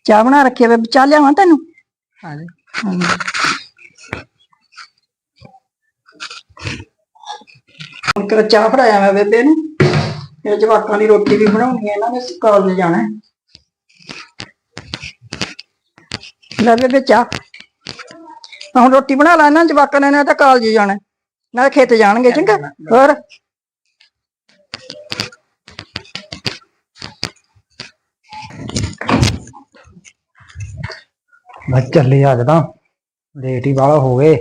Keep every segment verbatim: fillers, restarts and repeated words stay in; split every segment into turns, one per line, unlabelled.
ਚਾਹ ਬਣਾ ਰੱਖੀ ਆ ਬੇਬੇ, ਚਾਹ ਲਿਆਵਾਂ ਤੈਨੂੰ?
ਹਾਂ
ਹੁਣ ਕਰ ਚਾਹ ਫੜਾਇਆ ਮੈਂ ਬੇਬੇ ਨੂੰ, ਇਹ ਜਵਾਕਾਂ ਦੀ ਰੋਟੀ ਵੀ ਬਣਾਉਣੀ ਹੈ, ਇਹਨਾਂ ਨੇ ਕਾਲਜ ਜਾਣਾ ਹੈ। ਲੈ ਬੇਬੇ ਚਾਹ, ਹੁਣ ਰੋਟੀ ਬਣਾ ਲਾ, ਇਹਨਾਂ ਜਵਾਕਾਂ ਨੇ ਤਾਂ ਕਾਲਜ ਜਾਣਾ, ਨਾਲੇ ਖੇਤ ਜਾਣਗੇ। ਚੰਗਾ, ਹੋਰ
ਮੈਂ ਚੱਲੀ ਅੱਜ ਤਾਂ ਲੇਟ ਹੀ ਵਾਲਾ ਹੋ ਗਏ।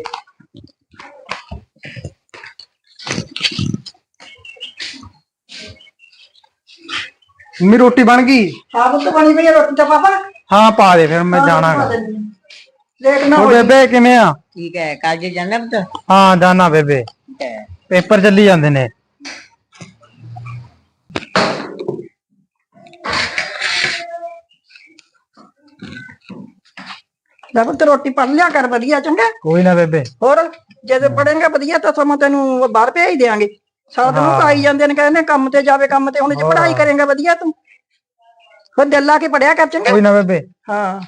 ਮੰਮੀ ਰੋਟੀ ਬਣ ਗਈ?
ਹਾਂ ਪੁੱਤ ਬਣੀ ਪਈ ਰੋਟੀ ਤਾਂ ਪਾਪਾ।
ਹਾਂ ਪਾ ਦੇ, ਫਿਰ ਮੈਂ ਜਾਣਾ ਗਾ।
ਲੇਟ ਨਾ ਹੋ
ਬੇਬੇ ਕਿਵੇਂ ਆ?
ਠੀਕ ਹੈ, ਕਾਲਜ ਜਾਣਾ ਪੁੱਤ?
ਹਾਂ ਜਾਣਾ ਬੇਬੇ, ਪੇਪਰ ਚੱਲੀ ਜਾਂਦੇ ਨੇ।
ਲੈ ਪੁੱਤ ਰੋਟੀ ਪੜ ਲਿਆ ਕਰ ਵਧੀਆ। ਚੰਗਾ,
ਕੋਈ ਨਾ ਬੇਬੇ।
ਹੋਰ ਜਦੋਂ ਪੜੇਂਗਾ ਵਧੀਆ ਤਾਂ ਸਮਾਂ ਤੈਨੂੰ ਬਾਹਰ ਭੇਜ ਦਿਆਂਗੇ। ਸਾਰਾ ਦਿਨ ਉਹ ਆਈ ਜਾਂਦੇ ਨੇ, ਕਹਿੰਦੇ ਕੰਮ ਤੇ ਜਾਵੇ ਕੰਮ ਤੇ, ਹੁਣ ਜੇ ਪੜ੍ਹਾਈ ਕਰੇਂਗਾ ਵਧੀਆ ਤੂੰ, ਫਿਰ ਦਿਲ ਲਾ ਕੇ ਪੜਿਆ ਕਰ। ਚੰਗਾ,
ਕੋਈ ਨਾ ਬੇਬੇ।
ਹਾਂ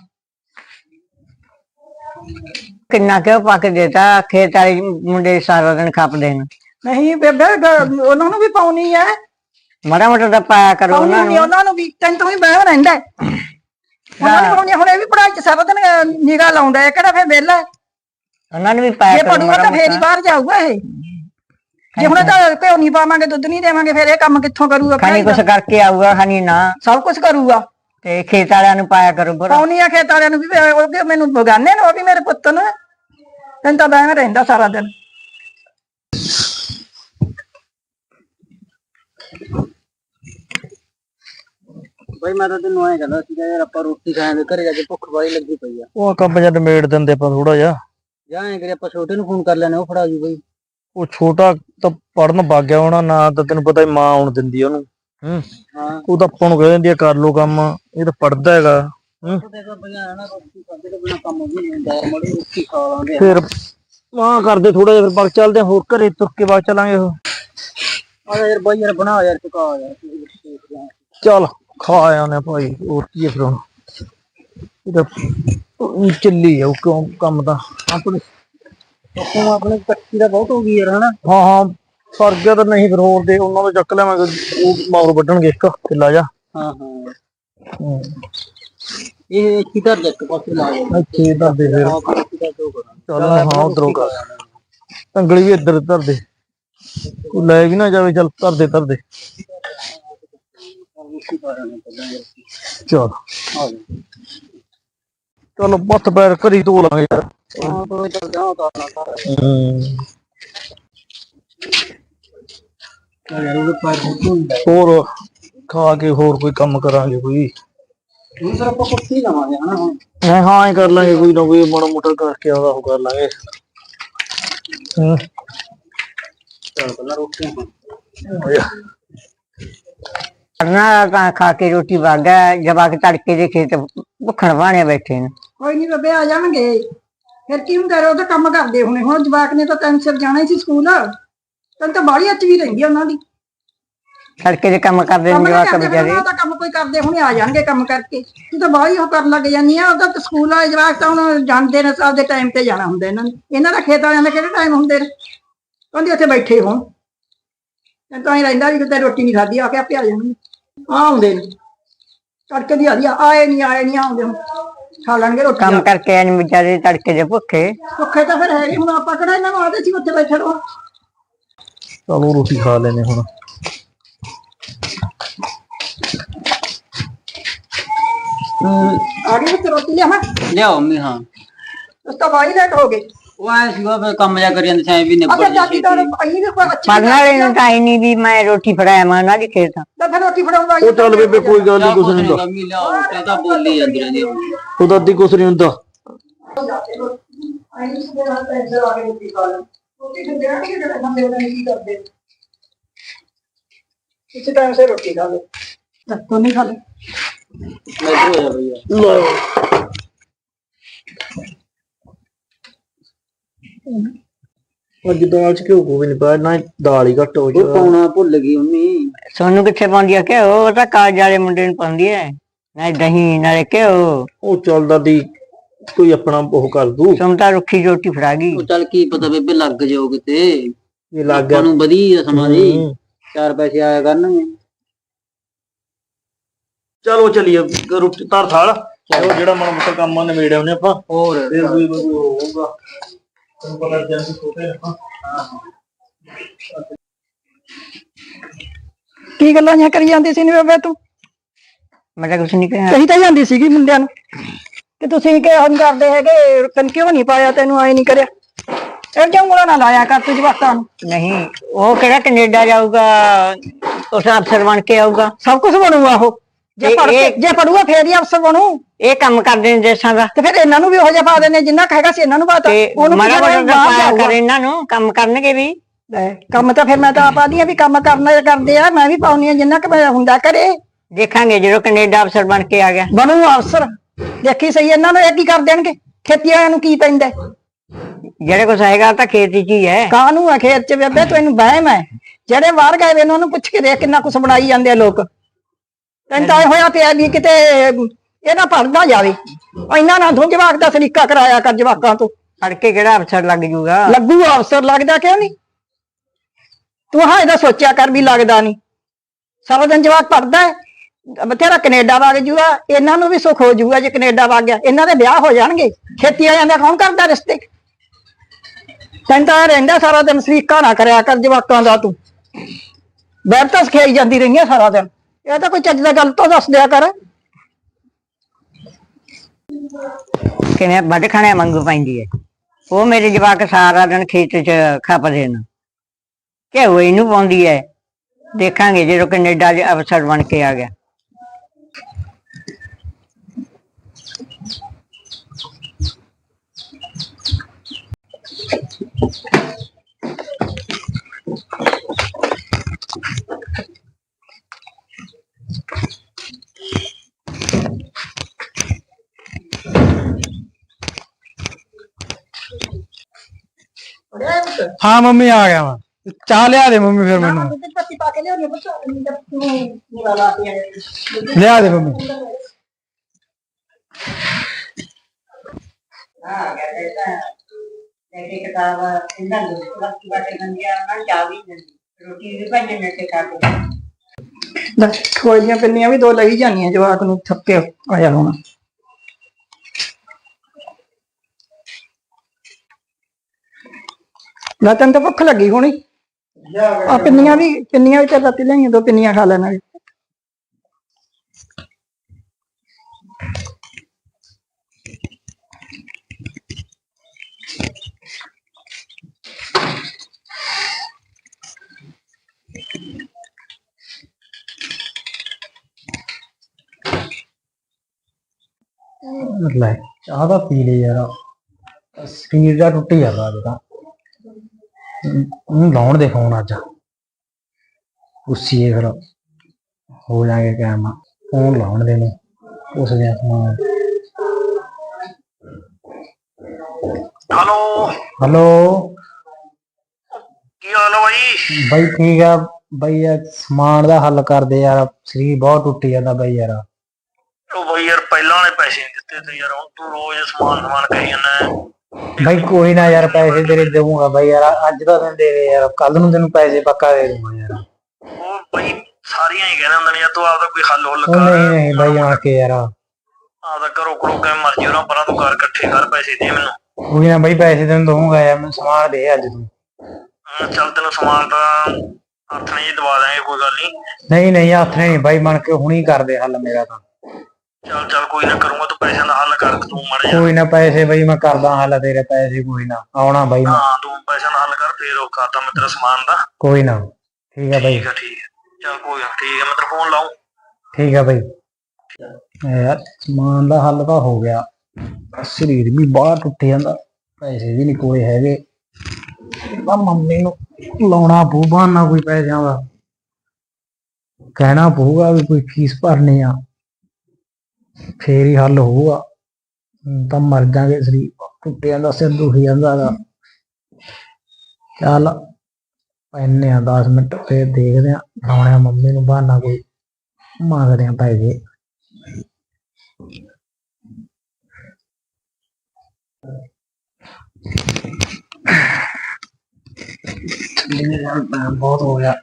ਕਿੰਨਾ ਕਿਉਂ ਪਾ ਕੇ ਦੇਤਾ, ਖੇਤ ਵਾਲੇ ਮੁੰਡੇ ਸਾਰਾ ਦਿਨ ਖਪਦੇ ਨੇ।
ਨਹੀਂ ਬੇਬੇ, ਉਹਨਾਂ ਨੂੰ ਵੀ ਪਾਉਣੀ ਹੈ,
ਮਾੜਾ ਮੋਟਾ ਤਾਂ ਪਾਇਆ ਕਰੋ ਉਹਨਾਂ ਨੂੰ।
ਉਹਨਾਂ ਨੂੰ ਵੀ ਤੈਨੂੰ ਤਾਂ ਵੀ ਬਹਿ ਰਹਿੰਦਾ ਉਹਨਾਂ ਨੂੰ ਪਾਉਣੀ। ਹੁਣ ਇਹ ਵੀ ਪੜਾਈ ਚ ਸਾਰਾ ਦਿਨ ਨਿਗਾਹ ਲਾਉਂਦਾ ਹੈ, ਕਿਹੜਾ ਫਿਰ ਵਿਹਲਾ?
ਉਹਨਾਂ ਨੂੰ ਵੀ ਪਾਇਆ
ਜੇ
ਕਰੋ
ਪੜੂਗਾ ਤਾਂ ਫੇਰ ਹੀ ਬਾਹਰ ਜਾਊਗਾ ਇਹ। ਜੇ ਹੁਣ ਤਾਂ ਘਿਓ ਨਹੀਂ ਪਾਵਾਂਗੇ, ਦੁੱਧ ਨਹੀਂ ਦੇਵਾਂਗੇ, ਫਿਰ ਇਹ ਕੰਮ ਕਿੱਥੋਂ ਕਰੂਗਾ?
ਖਾਣੀ ਕੁਛ ਕਰਕੇ ਆਊਗਾ, ਖਾਣੀ ਨਾ
ਸਭ ਕੁਛ ਕਰੂਗਾ।
ਤੇ ਖੇਤ ਵਾਲਿਆਂ ਨੂੰ ਪਾਇਆ ਕਰੋ।
ਪਾਉਣੀ ਆ ਖੇਤ ਵਾਲਿਆਂ ਨੂੰ ਵੀ, ਉਹ ਮੈਨੂੰ ਬਗਾਨੇ ਨੇ, ਉਹ ਵੀ ਮੇਰੇ ਪੁੱਤ ਨੇ। ਤੈਨੂੰ ਤਾਂ ਬਹਿ ਰਹਿੰਦਾ ਸਾਰਾ ਦਿਨ।
ਬਈ ਮੈਂ ਤਾਂ ਤੈਨੂੰ ਐਂ ਕਹਿੰਦਾ ਸੀਗਾ ਯਾਰ, ਆਪਾਂ ਰੋਟੀ ਖਾਣ ਦੇ ਘਰੇ ਜਾ ਕੇ ਭੁੱਖ ਵਾਲੀ ਲੱਗੀ ਪਈ ਆ।
ਉਹ ਕੰਮ ਜਦ ਮੇੜ ਦਿੰਦੇ ਆਪਾਂ ਥੋੜਾ ਜਿਹਾ,
ਜਾਂ ਐਂ ਕਰੀ ਆਪਾਂ ਛੋਟੇ ਨੂੰ ਫੋਨ ਕਰ ਲੈਣੇ, ਉਹ ਫੜਾ ਜੂ ਬਈ।
ਉਹ ਛੋਟਾ ਤਾਂ ਪੜਨ ਵਗ ਗਿਆ ਹੋਣਾ, ਨਾ ਤਾਂ ਤੈਨੂੰ ਪਤਾ ਮਾਂ ਆਉਣ ਦਿੰਦੀ ਉਹਨੂੰ। ਹੂੰ,
ਹਾਂ
ਉਹ ਤਾਂ ਆਪਾਂ ਨੂੰ ਕਹਿ ਦਿੰਦੀ ਆ ਕਰ ਲੋ ਕੰਮ, ਇਹ ਤਾਂ ਪੜਦਾ ਹੈਗਾ। ਹੂੰ, ਫਿਰ ਮਾਂ ਕਰਦੇ ਥੋੜਾ ਜਿਹਾ, ਫਿਰ ਬਾਗ ਚੱਲਦੇ ਹੋਰ ਘਰੇ ਤੁਰ ਕੇ ਬਾਗ ਚੱਲਾਂਗੇ। ਉਹ
ਆ ਯਾਰ ਬਾਈ ਯਾਰ ਬਣਾ ਯਾਰ, ਚੁਕਾ ਯਾਰ।
ਚੱਲ ਖਾ ਆਉਂਦੇ ਭਾਈ, ਹੋਰ ਕੀ ਹੈ ਫਿਰ ਹੁਣ। ਇਹ ਤਾਂ ਚੱਲੀ ਜਾਊ ਕਿਉਂ ਕੰਮ ਤਾਂ ਆਪਣੇ
ਆਪਣੇ ਕੱਚੀ ਦਾ ਬਹੁਤ ਹੋ ਗਈ ਯਾਰ, ਹਨਾ?
ਹਾਂ ਹਾਂ ਸਰ ਗਿਆ ਤਾਂ ਨਹੀਂ, ਫਿਰ ਹੋਰ ਦੇ ਉਹਨਾਂ ਤੋਂ ਚੱਕ ਲਿਆਵਾਂਗੇ, ਉਹ ਮਗਰ ਵੱਢਣਗੇ ਇੱਕ ਕਿੱਲਾ ਜਾ।
ਹਾਂ ਹਾਂ ਇਹ ਇੱਥੇ ਧਰ ਦੇ, ਇੱਕ ਪਾਸੇ ਲਾ ਦੇ
ਇੱਥੇ ਧਰ ਦੇ ਫਿਰ। ਚੱਲ ਹਾਂ ਉਧਰੋਂ ਕਰ, ਢੰਗਲੀ ਵੀ ਇੱਧਰ ਧਰ ਦੇ, ਕੋਈ ਲੈ ਵੀ ਨਾ ਜਾਵੇ। ਚੱਲ ਧਰ ਦੇ ਧਰ ਦੇ। ਚਲ ਚਲੋ ਹੱਥ ਪੈਰ ਘਰੀ ਧੋ ਲਾਂਗੇ ਯਾਰ। ਹੋਰ ਖਾ ਕੇ ਹੋਰ ਕੋਈ ਕੰਮ ਕਰਾਂਗੇ ਕੋਈ। ਹਾਂ ਹਾਂ ਹੀ ਕਰ ਲਾਂਗੇ, ਕੋਈ ਨਾ ਕੋਈ ਮਾੜਾ ਮੋਟਾ ਕਰਕੇ ਆਉਂਦਾ ਉਹ ਕਰ ਲਾਂਗੇ। ਹੂੰ
ਕਰਨਾ ਤਾਂ ਖਾ ਕੇ ਰੋਟੀ ਵਾਗਾ, ਜਵਾਕ ਤੜਕੇ ਦੇ ਖੇਤ ਭੁੱਖਣ ਭਾਣੇ ਬੈਠੇ ਨੇ।
ਕੋਈ ਨੀ ਬੇਬੇ, ਆ ਜਾਣਗੇ, ਫਿਰ ਕੀ ਹੁੰਦਾ? ਉਹ ਤਾਂ ਕੰਮ ਕਰਦੇ ਹੁਣੇ। ਹੁਣ ਜਵਾਕ ਨੇ ਤਾਂ ਟਾਈਮ ਸਿਰ ਜਾਣਾ ਹੀ ਸੀ ਸਕੂਲ, ਤੈਨੂੰ ਤਾਂ ਬਾਹਲੀ ਅੱਚ ਵੀ ਰਹਿੰਦੀ ਉਹਨਾਂ ਦੀ।
ਤੜਕੇ ਦੇ ਕੰਮ ਕਰਦੇ ਨੇ ਜਵਾਕ ਵਿਚਾਰੇ।
ਤਾਂ ਕੰਮ ਕੋਈ ਕਰਦੇ ਹੁਣੇ, ਆ ਜਾਣਗੇ ਕੰਮ ਕਰਕੇ। ਤੂੰ ਤਾਂ ਬਾਹਲੀ ਉਹ ਕਰਨ ਲੱਗ ਜਾਂਦੀ ਆ। ਉਹਦਾ ਤਾਂ ਸਕੂਲ ਵਾਲੇ ਜਵਾਕ ਤਾਂ ਹੁਣ ਜਾਂਦੇ ਨੇ, ਆਪਦੇ ਟਾਈਮ ਤੇ ਜਾਣਾ ਹੁੰਦਾ ਇਹਨਾਂ ਨੇ। ਇਹਨਾਂ ਦਾ ਖੇਤ ਵਾਲਿਆਂ ਦਾ ਕਿਹੜੇ ਟਾਈਮ ਹੁੰਦੇ ਨੇ? ਕਹਿੰਦੇ ਉੱਥੇ ਬੈਠੇ ਹੋਣ, ਤੈਨੂੰ ਤਾਂ ਹੀ ਰਹਿੰਦਾ ਵੀ ਕਿਤੇ ਰੋਟੀ ਨਹੀਂ ਖਾਧੀ, ਆ ਕੇ ਆਪੇ ਆ ਜਾਣਗੇ। ਆ ਆਉਂਦੇ ਨੇ ਤੜਕੇ ਦੀ ਆਦੀ, ਆਏ ਨੀ ਆਏ ਨੀ ਆਉਂਦੇ, ਹੁਣ ਖਾ ਲੈਣਗੇ ਰੋਟੀ।
ਕੰਮ ਕਰਕੇ ਆਏ ਨੇ ਵਿਚਾਰੇ ਤੜਕੇ ਦੇ ਭੁੱਖੇ।
ਭੁੱਖੇ ਤਾਂ ਫਿਰ ਹੈਗੇ, ਹੁਣ ਆਪਾਂ ਕਿਹੜਾ ਇਹਨਾਂ ਨੂੰ ਆਦੇ ਸੀ ਉੱਥੇ ਬੈਠੇ ਰਹੋ।
ਚਲੋ ਰੋਟੀ ਖਾ ਲੈਨੇ ਹੁਣ।
ਆ ਗਏ ਤੇ ਰੋਟੀ ਲਿਆਵਾਂ?
ਲਿਆਓ ਮੰਮੀ। ਹਾਂ
ਉਸ ਤੋਂ ਬਾਅਦ ਲੇਟ ਹੋ ਗਏ।
ਉਹ ਆਇਆ ਸੀਗਾ, ਫਿਰ ਕੰਮ ਜਾ ਕਰੀ ਜਾਂਦੇ ਸਾਂ ਵੀ ਨਿਬੜ
ਅੱਛਾ ਚਾਚੀ ਤਾਂ ਆਈ ਵੀ ਕੋਈ ਅੱਛੀ
ਪੜਨ ਵਾਲੇ ਨੂੰ ਤਾਂ ਆਈ ਨਹੀਂ ਵੀ ਮੈਂ ਰੋਟੀ ਫੜਾਇਆ ਮੈਂ ਉਹਨਾਂ ਦੀ ਖੇਤ।
ਤਾਂ ਫਿਰ ਰੋਟੀ ਫੜਾਉਂਦਾ
ਉਹ ਚੱਲ ਬੇਬੇ ਕੋਈ ਗੱਲ ਨਹੀਂ, ਕੁਛ ਨਹੀਂ ਹੁੰਦਾ।
ਮੰਮੀ ਲਿਆਓ, ਤੇ ਤਾਂ ਬੋਲੀ ਜਾਂਦੀ ਰਹਿੰਦੀ
ਉਹਦਾ ਅੱਧੀ ਕੁਛ ਨਹੀਂ ਹੁੰਦਾ।
इसी टाइम से रोटी खा लो, तो नहीं खा लो।
ਅੱਜ ਦਾਲ ਚ ਘਿਓ ਕੋ ਵੀ ਨਹੀਂ ਪਾਇਆ, ਨਾ ਦਾਲ ਹੀ ਘੱਟ ਹੋ ਜਾ।
ਪਾਉਣਾ ਭੁੱਲ ਗਈ ਮੰਮੀ। ਸੋਨੂੰ ਕਿੱਥੇ ਪਾਉਂਦੀ ਆ ਕਿ ਉਹ ਤਾਂ ਕਾਲਜ ਵਾਲੇ ਮੁੰਡੇ ਨੂੰ ਪਾਉਂਦੀ ਐ। ਨਾ ਦਹੀਂ ਨਾਲੇ ਘਿਓ।
ਉਹ ਚੱਲ ਦਾਦੀ ਕੋਈ ਆਪਣਾ ਉਹ ਕਰ ਦੂ
ਤੁਮ ਤਾਂ ਰੁੱਖੀ ਰੋਟੀ ਫੜਾ ਗਈ।
ਉਹ ਚੱਲ ਕੀ ਪਤਾ ਬੇਬੇ ਲੱਗ ਜਾਓ ਕਿਤੇ,
ਇਹ ਲੱਗ ਗਿਆ
ਆਪਾਂ ਨੂੰ ਵਧੀਆ ਸਮਾਂ ਦੀ
ਹੂੰ।
ਚਾਰ ਪੈਸੇ ਆਇਆ ਕਰਨਗੇ।
ਚਲੋ ਚਲੀਏ ਰੋਟੀ ਧਰ ਥਾਲ ਉਹ ਜਿਹੜਾ ਮਾੜਾ ਮੋਟਾ ਕੰਮ ਆ ਨਿਬੇੜਿਆ ਉਹਨੇ ਆਪਾਂ
ਹੋਰ
ਫਿਰ ਕੋਈ ਕੋਈ ਹੋਊਗਾ ਤੁਹਾਨੂੰ ਪਤਾ ਜੰਦੀ ਛੋਟੇ ਆਪਾਂ
ਕੀ ਗੱਲਾਂ ਜਾਂ ਕਰੀ ਜਾਂਦੀ ਸੀ ਨੀ ਬੇਬੇ ਤੂੰ?
ਮੈਂ ਤਾਂ ਕੁਛ ਨਹੀਂ ਕਿਹਾ।
ਕਹੀ ਤਾਂ ਜਾਂਦੀ ਸੀਗੀ ਮੁੰਡਿਆਂ ਨੂੰ ਕਿ ਤੁਸੀਂ ਕਿ ਹਮ ਕਰਦੇ ਹੈਗੇ ਤੈਨੂੰ ਕਿਉਂ ਨਹੀਂ ਪਾਇਆ, ਤੈਨੂੰ ਆਏ ਨਹੀਂ ਕਰਿਆ। ਇਹ ਕਿਉਂ ਉਂਗਲਾਂ ਨਾ ਲਾਇਆ ਕਰ ਤੂੰ ਜਵਾਕਾਂ ਨੂੰ।
ਨਹੀਂ ਉਹ ਕਿਹੜਾ ਕੈਨੇਡਾ ਜਾਊਗਾ, ਉਸ ਅਫਸਰ ਬਣ ਕੇ ਆਊਗਾ।
ਸਭ ਕੁਝ ਬਣੂਗਾ ਉਹ, ਜੇ
ਇਹ-
ਪੜ੍ਹ ਕੇ
ਇਹ-
ਜੇ ਪੜੂਗਾ ਫੇਰ ਹੀ ਅਫਸਰ ਬਣੂ।
ਇਹ ਕੰਮ ਕਰਦੇ ਨੇ ਦੇਸਾਂ ਦਾ।
ਤੇ ਫਿਰ ਇਹਨਾਂ ਨੂੰ ਵੀ ਉਹ ਜਿਹਾ ਪਾ ਦੇਣੇ ਜਿੰਨਾ ਕੁ ਹੈਗਾ ਸੀ ਇਹਨਾਂ ਨੂੰ ਪਾਤਾ।
ਤੇ
ਉਹਨੂੰ
ਮਾੜਾ
ਕੀ
ਮੋਟਾ
ਬਾਹਰ
ਪਾਇਆ
ਜਾਊਗਾ।
ਕਰ ਇਹਨਾਂ ਨੂੰ, ਕੰਮ ਕਰਨਗੇ ਵੀ।
ਲੈ, ਕੰਮ ਤਾਂ ਫਿਰ ਮੈਂ ਤਾਂ ਆਪ ਆਦੀ ਆ ਵੀ ਕੰਮ ਕਰਨਾ ਕਰਦੇ ਆ, ਮੈਂ ਵੀ ਪਾਉਣੀ ਆ ਜਿੰਨਾ ਕੁ ਮੇਰਾ ਹੁੰਦਾ ਕਰੇ।
ਦੇਖਾਂਗੇ ਜਦੋਂ ਕੈਨੇਡਾ ਅਫਸਰ ਬਣ ਕੇ ਆ ਗਿਆ।
ਬਣੂ ਅਫਸਰ, ਦੇਖੀ ਸਹੀ ਇਹਨਾਂ ਨੂੰ ਇਹ ਕੀ ਕਰ ਦੇਣਗੇ। ਖੇਤੀ ਵਾਲਿਆਂ ਨੂੰ ਕੀ ਪੈਂਦਾ,
ਜਿਹੜੇ ਕੁਛ ਹੈਗਾ ਤਾਂ ਖੇਤੀ ਚ ਹੀ ਹੈ।
ਕਾਹਨੂੰ ਆ ਖੇਤ ਚ ਬੇਬੇ, ਤੂੰ ਇਹਨੂੰ ਵਹਿਮ ਹੈ। ਜਿਹੜੇ ਬਾਹਰ ਗਏ ਵੇ ਨੇ ਉਹਨੂੰ ਪੁੱਛ ਕੇ ਦੇਖ ਕਿੰਨਾ ਕੁਛ ਬਣਾਈ ਜਾਂਦੇ ਆ ਲੋਕ। ਤੈਨੂੰ ਤਾਂ ਇਹ ਹੋਇਆ ਪਿਆ ਵੀ ਕਿਤੇ ਇਹ ਨਾ ਪੜਦਾ ਜਾਵੇ। ਇਹਨਾਂ ਨਾਲ ਤੂੰ ਜਵਾਕ ਦਾ ਸਲੀਕਾ ਕਰਾਇਆ ਕਰ ਜਵਾਕਾਂ ਤੋਂ।
ਫੜ ਕੇ ਕਿਹੜਾ ਅਫਸਰ ਲੱਗ ਜੂਗਾ।
ਲੱਗੂ ਅਫਸਰ, ਲੱਗਦਾ ਕਿਉਂ ਨਹੀਂ? ਤੂੰ ਹਾਂ ਇਹਦਾ ਸੋਚਿਆ ਕਰ ਵੀ ਲੱਗਦਾ ਨਹੀਂ। ਸਾਰਾ ਦਿਨ ਜਵਾਕ ਪੜਦਾ ਹੈ, ਬਥੇਰਾ ਕੈਨੇਡਾ ਵਗ ਜੂਗਾ, ਇਹਨਾਂ ਨੂੰ ਵੀ ਸੁੱਖ ਹੋ ਜੂਗਾ ਜੇ ਕੈਨੇਡਾ ਵਗ ਗਿਆ। ਇਹਨਾਂ ਦੇ ਵਿਆਹ ਹੋ ਜਾਣਗੇ। ਖੇਤੀ ਵਾਲਿਆਂ ਦਾ ਕੌਣ ਕਰਦਾ ਰਿਸ਼ਤੇ? ਤੈਨੂੰ ਤਾਂ ਇਹ ਰਹਿੰਦਾ ਸਾਰਾ ਦਿਨ ਸਲੀਕਾ ਨਾ ਕਰਿਆ ਕਰ ਜਵਾਕਾਂ ਦਾ ਤੂੰ। ਬੈਠ ਤਾਂ ਸਿਖਾਈ ਜਾਂਦੀ ਰਹੀ ਹੈ ਸਾਰਾ ਦਿਨ। ਇਹ ਤਾਂ ਕੋਈ ਚੱਜ ਦਾ ਗੱਲ ਤਾਂ ਦੱਸ ਦਿਆ ਕਰ।
ਕਿਵੇਂ ਵੱਢ ਖਾਣਿਆਂ ਵਾਂਗੂ ਪੈਂਦੀ ਹੈ। ਉਹ ਮੇਰੇ ਜਵਾਕ ਸਾਰਾ ਦਿਨ ਖੇਤ ਚ ਖਪਦੇ ਨੇ, ਘਿਓ ਇਹਨੂੰ ਪਾਉਂਦੀ ਹੈ। ਦੇਖਾਂਗੇ ਜਦੋਂ ਕੈਨੇਡਾ ਦੇ ਅਫਸਰ ਬਣ ਕੇ ਆ ਗਿਆ।
ਹਾਂ ਮੰਮੀ ਆ ਗਿਆ ਮੈਂ ਚਾਹ ਲਿਆ ਦੇ ਮੰਮੀ ਫਿਰ ਮੈਨੂੰ
ਪੱਤੀ ਪਾ ਕੇ ਲਿਆਉਣੀ ਬੱਚਾ ਪੂਰਾ ਲਾ ਕੇ ਆਏ।
ਲਿਆ ਦੇ ਮੰਮੀ
ਹਾਂ ਕਹਿੰਦੇ ਤਾਂ ਇਹ ਕਿਤਾਬ ਇਹਨਾਂ ਨੂੰ ਲੱਕੀ ਬਾਟੇ ਗੰਦੀਆਂ ਨਾ ਚਾਵੀ ਰੋਟੀ ਵੀ ਭੰਜਣ ਨੇ ਤੇ ਖਾ ਕੇ।
ਖੋਈਆਂ ਪਿੰਨੀਆਂ ਵੀ ਦੋ ਲਈ ਜਾਂਦੀਆਂ ਜਵਾਕ ਨੂੰ, ਥੱਕੇ ਆਇਆ ਹੁਣ। ਲੈ ਤੈਨੂੰ ਤਾਂ ਭੁੱਖ ਲੱਗੀ ਹੋਣੀ। ਆ ਪਿੰਨੀਆਂ ਵੀ ਪਿੰਨੀਆਂ ਵੀ ਤੇ ਰਾਤੀ ਲਈਆਂ, ਦੋ ਪਿੰਨੀਆਂ ਖਾ ਲੈਣਾ।
ਲੈ ਚਾਹ ਤਾਂ ਪੀ ਲਈ ਯਾਰ, ਸਰੀਰ ਦਾ ਟੁੱਟ ਜਾਂਦਾ ਅੱਜ ਤਾਂ। ਉਹਨੂੰ ਲਾਉਣ ਦੇ ਫੋਨ ਅੱਜ, ਗੁੱਸੀਏ ਫਿਰ ਹੋ ਜਾਗੇ ਕਾਇਮ। ਫੋਨ ਲਾਉਣ ਦੇ ਨੂੰ ਉਸ ਦਿਨ ਸਮਾਨ।
ਹੈਲੋ
ਹੈਲੋ
ਕੀ ਹਾਲ ਆ ਬਾਈ?
ਬਾਈ ਠੀਕ ਆ ਬਾਈ, ਯਾਰ ਸਮਾਨ ਦਾ ਹੱਲ ਕਰਦੇ ਯਾਰ, ਸਰੀਰ ਬਹੁਤ ਟੁੱਟ ਜਾਂਦਾ ਬਾਈ ਯਾਰ।
ਉਹ ਬਾਈ ਯਾਰ ਪਹਿਲਾਂ ਵਾਲੇ ਪੈਸੇ ਨੀ ਦਿੱਤੇ ਤੇ ਯਾਰ, ਹੁਣ ਤੂੰ ਰੋਜ਼ ਸਮਾਨ ਸਮਾਨ ਕਹੀ ਜਾਂਦਾ।
ਬਾਈ ਕੋਈ ਨਾ ਯਾਰ, ਪੈਸੇ ਤੇਰੇ ਦੇਵਾਂਗਾ ਬਾਈ ਯਾਰ, ਅੱਜ ਦਾ ਦਿਨ ਦੇ ਦੇ ਯਾਰ, ਕੱਲ ਨੂੰ ਤੈਨੂੰ ਪੈਸੇ ਪੱਕਾ ਦੇ ਦੂੰਗਾ ਯਾਰ।
ਉਹ ਬਾਈ ਸਾਰੀਆਂ ਹੀ ਕਹਿੰਦੇ ਹੁੰਦੇ ਨੇ ਯਾਰ, ਤੂੰ ਆਪਦਾ ਕੋਈ ਹੱਲ ਹੁੱਲ
ਉਹ
ਕਰ।
ਨਹੀਂ ਨਹੀਂ ਬਾਈ ਆ ਕੇ ਯਾਰ,
ਆਪਦਾ ਘਰੋਂ ਘਰੋਂ ਕਿਵੇਂ ਮਰਜੀ ਉਹਨਾਂ ਪਰਾਂ ਤੂੰ ਕਰ, ਇਕੱਠੇ ਕਰ ਪੈਸੇ ਦੇ ਮੈਨੂੰ।
ਕੋਈ ਨਾ ਬਾਈ ਪੈਸੇ ਤੈਨੂੰ ਦਊਂਗਾ ਯਾਰ, ਮੈਨੂੰ ਸਮਾਨ ਦੇ ਅੱਜ ਤੂੰ।
ਹਾਂ, ਚੱਲ ਤੈਨੂੰ ਸਮਾਨ ਤਾਂ ਹੱਥ ਨਹੀਂ ਦਵਾ ਦਾਂਗੇ, ਕੋਈ ਗੱਲ ਨਹੀਂ।
ਨਹੀਂ ਨਹੀਂ ਹੱਥ ਨਹੀਂ ਬਾਈ, ਬਣ ਕੇ ਹੁਣੀ ਕਰਦੇ ਹੱਲ ਮੇਰਾ ਤਾਂ।
ਚੱਲ ਚੱਲ ਕੋਈ ਨਾ ਕਰੂੰਗਾ, ਤੂੰ ਪੈਸਿਆਂ ਦਾ ਹੱਲ ਕਰ ਤੂੰ ਮਾੜਾ ਜਿਹਾ।
ਕੋਈ ਨਾ ਪੈਸੇ ਬਾਈ ਮੈਂ ਕਰਦਾ ਹੱਲ, ਤੇਰੇ ਪੈਸੇ ਕੋਈ ਨਾ ਆਉਣਾ ਬਾਈ ਮੈਂ।
ਹਾਂ ਤੂੰ ਪੈਸਿਆਂ ਦਾ ਹੱਲ ਕਰ, ਫੇਰ ਉਹ ਕਰਦਾ ਮੈਂ ਤੇਰਾ ਸਮਾਨ ਦਾ।
ਕੋਈ ਨਾ ਠੀਕ ਆ ਬਾਈ,
ਠੀਕ ਆ ਠੀਕ ਆ, ਚੱਲ ਕੋਈ ਨਾ ਠੀਕ ਆ, ਮੈਂ ਤੇਰਾ ਫੋਨ ਲਾਊਂ।
ਠੀਕ ਆ ਬਾਈ। ਯਾਰ ਸਮਾਨ ਦਾ ਹੱਲ ਤਾਂ ਹੋ ਗਿਆ, ਸਰੀਰ ਵੀ ਬਾਹਰ ਟੁੱਟ ਜਾਂਦਾ, ਪੈਸੇ ਵੀ ਨਹੀਂ ਕੋਲੇ ਹੈਗੇ। ਤਾਂ ਮੰਮੀ ਨੂੰ ਲਾਉਣਾ ਪਊ ਬਹਾਨਾ ਕੋਈ ਪੈਸਿਆਂ ਦਾ, ਕਹਿਣਾ ਪਊਗਾ ਵੀ ਕੋਈ ਫੀਸ ਭਰਨੀ ਆ, ਫੇਰ ਹੀ ਹੱਲ ਹੋਊਗਾ। ਹੁਣ ਤਾਂ ਮਰ ਜਾਗੇ, ਸਰੀਰ ਟੁੱਟ ਜਾਂਦਾ, ਸਿਰ ਦੁਖ ਜਾਂਦਾ ਗਾ। ਚੱਲ ਪੈਨੇ ਆ ਦਸ ਮਿੰਟ, ਫੇਰ ਦੇਖਦੇ ਆ, ਲਾਉਣੇ ਆ ਮੰਮੀ ਨੂੰ ਬਹਾਨਾ ਕੋਈ, ਮੰਗਦੇ ਆ ਪੈਸੇ। ਬਹੁਤ ਹੋ ਗਿਆ।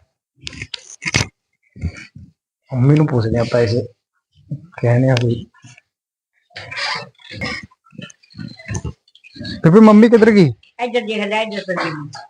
ਮੰਮੀ ਨੂੰ ਪੁੱਛਦੇ ਆ ਪੈਸੇ कहने आ कोई। तो फिर मम्मी किधर गई?
ਇੱਧਰ ਦੇਖ ਲੈ ਇੱਧਰ ਤੇ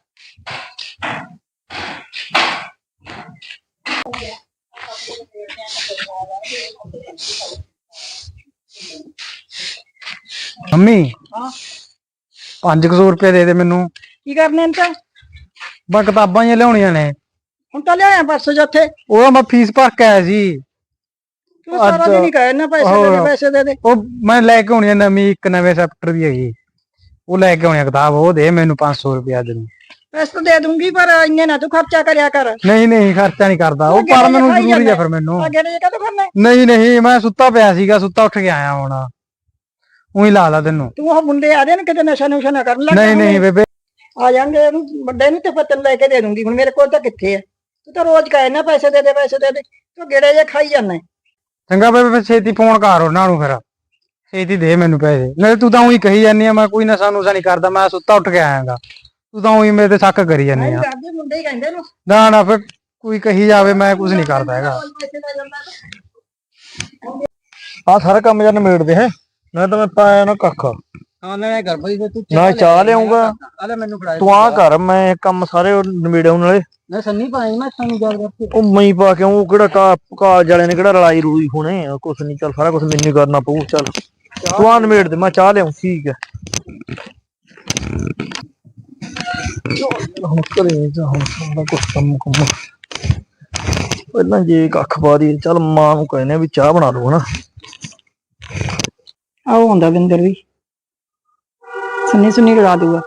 मम्मी पांच सौ रुपये दे दे मैनू।
ਕੀ ਕਰਨੇ ਨੇ ਤਾਂ
बस किताबां ही लियानियां ने।
ਹੁਣ ਤਾਂ ਲਿਆਇਆ ਪਰਸੋਂ ਜਿੱਥੇ
ਉਹ ਮੈਂ ਫੀਸ ਭਰ ਕੇ ਆਇਆ ਸੀ।
ਤੂੰ ਸਾਰਾ ਦਿਨ ਹੀ ਕਹੇ ਨਾ ਪੈਸੇ ਦੇ ਦੇ ਪੈਸੇ ਦੇ ਦੇ।
ਉਹ ਮੈਂ ਲੈ ਕੇ ਆਉਣੀ ਆ ਨਵੀਂ ਇੱਕ ਨਵੇਂ ਚੈਪਟਰ ਦੀ ਹੈਗੀ, ਉਹ ਲੈ ਕੇ ਆਉਣੀ ਆ ਕਿਤਾਬ। ਉਹ ਦੇ ਮੈਨੂੰ ਪੰਜ ਸੌ ਰੁਪਇਆ ਦੇ।
ਪੈਸੇ ਤਾਂ ਦੇ ਦੂੰਗੀ ਪਰ ਇੰਨੇ ਨਾ ਤੂੰ ਖਰਚਾ ਕਰਿਆ ਕਰ।
ਨਹੀਂ ਨਹੀਂ ਖਰਚਾ ਨਹੀਂ ਕਰਦਾ ਉਹ, ਪਰ ਮੈਨੂੰ ਜ਼ਰੂਰੀ ਆ ਫਿਰ ਮੈਨੂੰ।
ਅੱਗੇ ਨੇ ਕਦੋਂ ਕਰਨਾ?
ਨਹੀਂ ਨਹੀਂ ਮੈਂ ਸੁੱਤਾ ਪਿਆ ਸੀਗਾ, ਸੁੱਤਾ ਉੱਠ ਕੇ ਆਇਆ ਹੁਣ। ਉਹੀ ਲਾ ਲਾ ਤੈਨੂੰ।
ਤੂੰ ਉਹ ਮੁੰਡੇ ਆ ਦੇ ਨਾ ਕਿਤੇ ਨਸ਼ਾ ਨੁਸ਼ਾ ਨਾ ਕਰਨ ਲੱਗ।
ਨਹੀਂ ਨਹੀਂ ਬੇਬੇ
ਆ ਜਾਣਗੇ ਉਹਨੂੰ ਵੱਡੇ ਨੂੰ ਤੇ ਫਿਰ ਤੈਨੂੰ ਲੈ ਕੇ ਦੇ ਦੂੰਗੀ। ਹੁਣ ਮੇਰੇ ਕੋਲ ਤਾਂ ਕਿੱਥੇ ਆ? ਤੂੰ ਤਾਂ ਰੋਜ਼ ਕਹੇ ਨਾ ਪੈਸੇ ਦੇ ਦੇ ਪੈਸੇ ਦੇ ਦੇ, ਤੂੰ ਗੇੜੇ ਜੇ ਖਾਈ ਜਾਂਦਾ।
ਚੰਗਾ ਬੇਬੇ ਫਿਰ ਛੇਤੀ ਫੋਨ ਕਰ ਉਹਨਾਂ ਨੂੰ, ਫਿਰ ਛੇਤੀ ਦੇ ਮੈਨੂੰ ਪੈਸੇ। ਨਾਲੇ ਤੂੰ ਤਾਂ ਉਹੀ ਕਹੀ ਜਾਂਦੀ ਆ ਮੈਂ ਕੋਈ ਨਸ਼ਾ ਨੁਸ਼ਾ ਨਹੀਂ ਕਰਦਾ, ਮੈਂ ਸੁੱਤਾ ਉੱਠ ਕੇ ਆਇਆਗਾ। ਤੂੰ ਤਾਂ ਉਹੀ ਮੇਰੇ ਤੇ ਸ਼ੱਕ ਕਰੀ ਜਾਂਦੀ ਆ।
ਕਰਦੇ ਮੁੰਡੇ ਹੀ ਕਹਿੰਦੇ ਨੂੰ।
ਨਾ ਨਾ ਫਿਰ ਕੋਈ ਕਹੀ ਜਾਵੇ ਮੈਂ ਕੁਝ ਨਹੀਂ ਕਰਦਾ ਹੈਗਾ। ਆ ਸਾਰਾ ਕੰਮ ਜਨ ਨਿਬੇੜਦੇ ਹੈ ਨਾ, ਤਾਂ ਮੈਂ ਪਾਇਆ ਨਾ ਕੱਖ।
ਹਾਂ ਨਾ ਕਰ ਬਈ ਤੂੰ
ਨਾ ਚਾਹ ਲਿਆਉਂਗਾ।
ਆਲੇ ਮੈਨੂੰ ਫੜਾ
ਤੂੰ ਆ ਕਰ, ਮੈਂ ਕੰਮ ਸਾਰੇ ਨਿਬੇੜੇ ਉਹਨਾਂ ਵਾਲੇ।
ਨਾ ਸੰਨੀ ਪਾਈ ਮੈਂ ਸਾਨੂੰ ਗੱਲ ਕਰਕੇ
ਉਹ ਮਈ ਪਾ ਕੇ ਉਹ ਕਿਹੜਾ ਕਾ ਕਾਲਜ ਵਾਲੇ ਨੇ ਕਿਹੜਾ ਲੜਾਈ ਰੂਈ ਹੋਣੇ, ਕੁਛ ਨਹੀਂ। ਚੱਲ ਸਾਰਾ ਕੁਛ ਮੈਨੂੰ ਕਰਨਾ ਪਊ। ਚੱਲ ਤੂੰ ਆ ਨਿਬੇੜ ਦੇ, ਮੈਂ ਚਾਹ ਲਿਆਉਂ। ਠੀਕ ਹੈ ਹੁਣ ਘਰੇ ਜਾ, ਹੁਣ ਸਾਰਾ ਕੁਛ ਕੰਮ ਕੰਮ ਪਹਿਲਾਂ ਜੇ ਕੱਖ ਪਾ ਦੀ। ਚੱਲ ਮਾਂ ਨੂੰ ਕਹਿੰਦੇ ਵੀ ਚਾਹ ਬਣਾ ਲਓ ਹਨਾ।
ਆਓ ਹੁੰਦਾ ਬਿੰਦਰ ਵੀ ਸੁਣੀ ਸੁਣੀ ਲੜਾ ਦੂਗਾ।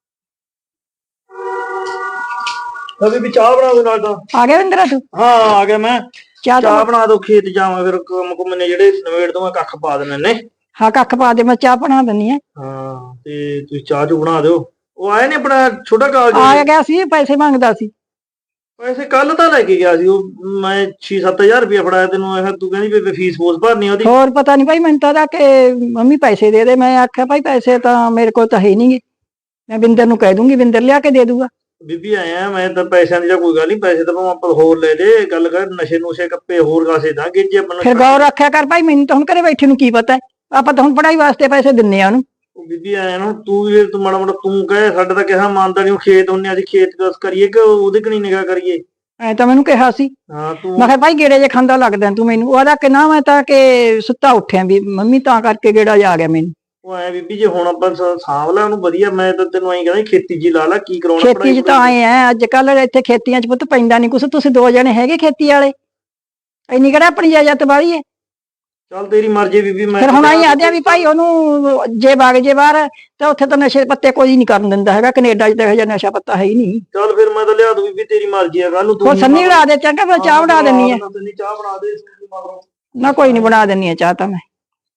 ਅਭੀ ਵੀ ਚਾਹ ਬਣਾ ਦੋ ਨਾਲ ਤਾਂ।
ਆ ਗਿਆ ਬਿੰਦਰਾ ਤੂੰ?
ਹਾਂ ਆ ਗਿਆ ਮੈਂ।
ਚਾਹ
ਚਾਹ ਬਣਾ ਦੋ, ਖੇਤ ਜਾਵਾਂ ਫਿਰ ਕੰਮ ਕੁਮ ਨੇ ਜਿਹੜੇ ਨਵੇੜ ਤੋਂ ਮੈਂ ਕੱਖ ਪਾ ਦੇਣੇ ਨੇ।
ਹਾਂ ਕੱਖ ਪਾ ਦੇ, ਮੈਂ ਚਾਹ ਬਣਾ ਦਿੰਨੀ ਆ।
ਹਾਂ ਤੇ ਤੁਸੀਂ ਚਾਹ ਚੂ ਬਣਾ ਦਿਓ। ਉਹ ਆਏ ਨੇ ਆਪਣਾ ਛੋਟਾ ਕਾਲਜ
ਆ ਗਿਆ ਸੀ, ਪੈਸੇ ਮੰਗਦਾ ਸੀ।
ਪੈਸੇ ਕੱਲ ਤਾਂ ਲੈ ਕੇ ਗਿਆ ਸੀ ਉਹ। ਮੈਂ ਛੇ ਸੱਤ ਹਜ਼ਾਰ ਰੁਪਇਆ ਫੜਾਇਆ ਤੈਨੂੰ। ਇਹ ਤੂੰ ਕਹਿੰਦੀ ਵੀ ਫੀਸ ਫੂਸ ਭਰਨੀ ਉਹਦੀ।
ਹੋਰ ਪਤਾ ਨਹੀਂ ਭਾਈ ਮੈਨੂੰ ਤਾਂ ਉਹਦਾ ਕਿ ਮੰਮੀ ਪੈਸੇ ਦੇ ਦੇ। ਮੈਂ ਆਖਿਆ ਭਾਈ ਪੈਸੇ ਤਾਂ ਮੇਰੇ ਕੋਲ ਤਾਂ ਹੈ ਨਹੀਂਗੇ, ਮੈਂ ਬਿੰਦਰ ਨੂੰ ਕਹਿ ਦੂੰਗੀ, ਬਿੰਦਰ ਲਿਆ ਕੇ ਦੇ ਦੂਗਾ।
ਬੀਬੀ ਆਇਆ ਮੈਂ ਤਾਂ ਪੈਸਿਆਂ ਦੀ ਤਾਂ ਕੋਈ ਗੱਲ ਨਹੀਂ, ਪੈਸੇ ਤਾਂ ਭਾਵੇਂ ਆਪਾਂ ਹੋਰ ਲੈ ਲੈ। ਗੱਲ ਕਰ ਨਸ਼ੇ ਨੁਸ਼ੇ ਕੱਪੇ ਹੋਰ ਕਾਸੇ ਦਾ ਗੇਜੇ ਆਪਾਂ
ਫਿਰ ਗੌਰ ਰੱਖਿਆ ਕਰ ਭਾਈ, ਮੈਨੂੰ ਤਾਂ ਹੁਣ ਘਰੇ ਬੈਠੇ ਨੂੰ ਕੀ ਪਤਾ ਹੈ। ਆਪਾਂ ਤਾਂ ਹੁਣ ਪੜਾਈ ਵਾਸਤੇ ਪੈਸੇ ਦਿੰਨੇ ਆ ਉਹਨੂੰ।
ਉਹ ਬੀਬੀ ਆਇਆ ਨਾ ਤੂੰ ਵੀ ਤੂੰ ਮਾੜਾ ਮਾੜਾ ਤੂੰ ਕਹੇ ਸਾਡਾ ਤਾਂ ਕਿਹਾ ਮੰਨਦਾ ਨਹੀਂ। ਖੇਤ ਹੁੰਨੇ ਅਸੀਂ ਖੇਤ ਕਸ ਕਰੀਏ ਕਿ ਉਹਦੇ ਕਣੀ ਨਿਗਾਹ ਕਰੀਏ।
ਐ ਤਾਂ ਮੈਨੂੰ ਕਿਹਾ ਸੀ।
ਹਾਂ ਤੂੰ
ਮੈਂ ਕਿਹਾ ਭਾਈ ਗੇੜੇ ਜੇ ਖਾਂਦਾ ਲੱਗਦਾ ਤੂੰ ਮੈਨੂੰ। ਉਹਦਾ ਕਿ ਨਾ ਮੈਂ ਤਾਂ ਕਿ ਸੁੱਤਾ ਉੱਠਿਆ ਵੀ ਮੰਮੀ ਤਾਂ ਕਰਕੇ ਗੇੜਾ ਜਾ ਗਿਆ ਮੈਨੂੰ।
ਉਹ ਐ ਬੀਬੀ ਜੇ ਹੁਣ ਆਪਾਂ ਸਾਂਭ ਲੈ ਉਹਨੂੰ ਵਧੀਆ। ਮੈਂ ਤਾਂ ਤੈਨੂੰ ਐਂ ਕਹਿੰਦਾ ਖੇਤੀ ਜੀ ਲਾ ਲਾ, ਕੀ ਕਰਾਉਣਾ
ਖੇਤੀ 'ਚ ਤਾਂ ਆਏ ਐ ਅੱਜ ਕੱਲ ਇੱਥੇ ਖੇਤੀਆਂ 'ਚ ਪੁੱਤ ਪੈਂਦਾ ਨਹੀਂ ਕੁਛ। ਤੁਸੀਂ ਦੋ ਜਣੇ ਹੈਗੇ ਖੇਤੀ ਵਾਲੇ, ਇੰਨੀ ਕਿਹੜਾ ਆਪਣੀ ਜਾਇਦਾਦ ਵਾਲੀ ਹੈ।
ਚੱਲ ਤੇਰੀ ਮਰਜ਼ੀ ਬੀਬੀ। ਮੈਂ
ਫਿਰ ਹੁਣ ਆਈ ਆਦਿਆ ਵੀ ਭਾਈ ਉਹਨੂੰ ਜੇ ਵਗ ਜੇ ਬਾਹਰ ਤਾਂ ਉੱਥੇ ਤਾਂ ਨਸ਼ੇ ਪੱਤੇ ਕੋਈ ਨਹੀਂ ਕਰਨ ਦਿੰਦਾ ਹੈਗਾ। ਕੈਨੇਡਾ 'ਚ ਤਾਂ ਇਹੋ ਜਿਹਾ ਨਸ਼ਾ ਪੱਤਾ ਹੈ ਹੀ ਨਹੀਂ।
ਚੱਲ ਫਿਰ ਮੈਂ ਤਾਂ ਲਿਆ ਦੂੰ ਬੀਬੀ, ਤੇਰੀ ਮਰਜ਼ੀ ਆ। ਕੱਲ ਨੂੰ
ਹੋਰ ਸੰਨੀ ਉਡਾ ਦੇ ਚੰਗਾ, ਫਿਰ ਚਾਹ ਬਣਾ ਦਿੰਨੀ ਆ।
ਸੰਨੀ ਚਾਹ ਬਣਾ ਦੇ ਮਗਰੋਂ।
ਨਾ ਕੋਈ ਨਹੀਂ ਬਣਾ ਦਿੰਨੀ ਆ ਚਾਹ ਤਾਂ ਮੈਂ।